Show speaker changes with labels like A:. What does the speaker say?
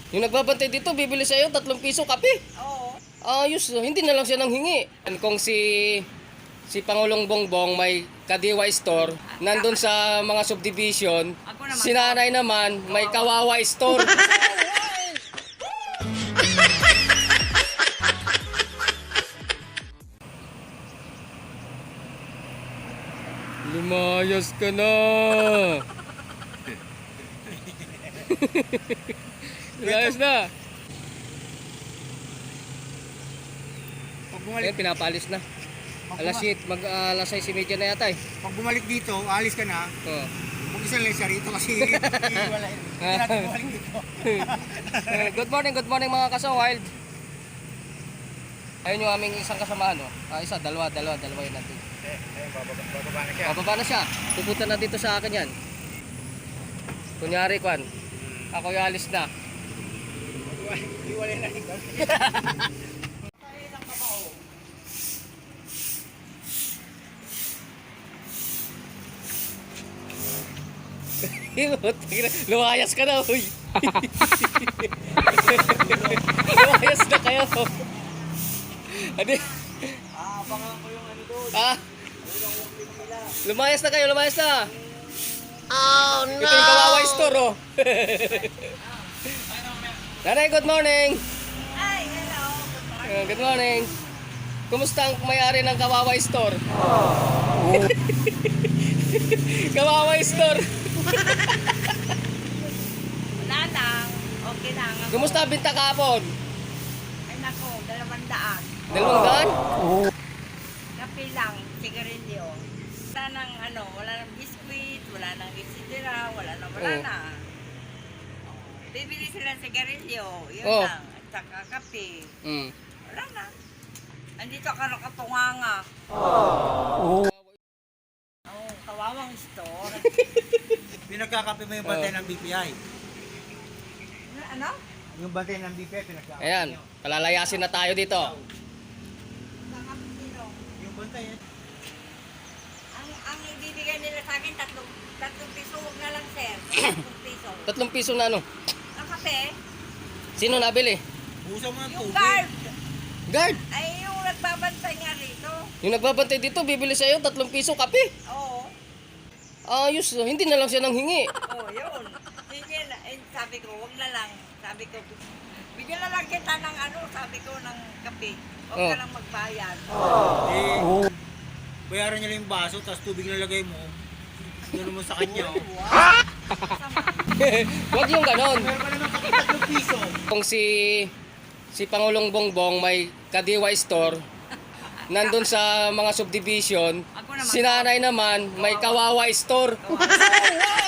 A: Yung nagbabantay dito, bibili sa'yo 3 piso kape.
B: Oo.
A: Ayos, hindi na lang siya nang hingi. Kung si Pangulong Bongbong may Kadiwa store, nandun sa mga subdivision,
B: Ako naman.
A: si nanay naman may Kawawa store. Lumayas ka na. Lumayas na.
C: Pag
A: Ngayon,
C: bumalik,
A: pinapalis na. Alas 7, alas 6:30 na yata eh.
C: pag bumalik dito, alis ka na.
A: Oh.
C: Mag-isa lang siya rito kasi wala. Hindi natin bumalik dito.
A: Good morning mga kasaward. Ayun yung aming isang kasamahan, no? Isa, dalawa yun natin.
C: Bababa na siya.
A: Bababa na siya. Pupunta na dito sa akin yan. Kunyari, Kwan. Ako yung alis na.
C: Iwalay na ikaw.
A: Lumayas ka na, uy. Lumayas na kayo. Ano?
C: Abangan ko yung ano doon.
A: Ah? Lumayas na kayo, lumayas na. Oh no! Ito yung Kawawa store, oh. Nanay, good morning.
B: Ay, hello.
A: Good morning. Kumusta ang may-ari ng Kawawa store? Kawawa store.
B: Wala lang. Okay lang. Ako.
A: Kumusta ang binta kahapon?
B: Ay, nako, 200.
A: 200?
B: Kape lang, sigarilyo. Wala nang wala nang biskuit, wala nang isidira, wala
A: Oh.
B: na. Bibili sila ng sigarilyo, yun
A: Oh.
B: lang. At saka kape.
A: Mm.
B: Wala na. Andito ka nakatunganga.
A: Oh.
B: Oh, kawawang store.
C: Pinagkakape mo yung bantay ng BPI.
B: Ano?
C: Yung bantay ng BPI, pinagkakape
A: Ayan,
C: nyo.
A: palalayasin na tayo dito.
B: Kakapitino.
C: Yung bantay yan.
B: Ang ibibigay nila sa akin, tatlong piso, huwag na lang, sir. 3 piso.
A: 3 piso na ano?
B: Ang kape,
A: Sino nabili?
C: Busa mo ng
B: yung
C: tubig.
B: guard.
A: Guard.
B: Ay, yung nagbabantay nga rito.
A: Yung nagbabantay dito, bibili sa'yo 3 piso kape.
B: Oo.
A: Ayos, hindi na lang siya nang hingi.
B: Oo, yun. Sige, sabi ko, huwag na lang. Sabi ko, bigyan na lang kita ng sabi ko, ng kape. Huwag
A: Oh.
B: ka lang magbayad.
C: Eh, bayaran niya lang yung baso, tapos tubig lalagay mo. Gano'n mo sa kanya. Oh.
A: Huwag yung ganon.
C: Meron ka naman 3 piso.
A: Kung si Pangulong Bongbong may Kadiwa store, nandun sa mga subdivision,
B: Ako naman.
A: si nanay naman may Kawawa store.
B: Kawawa.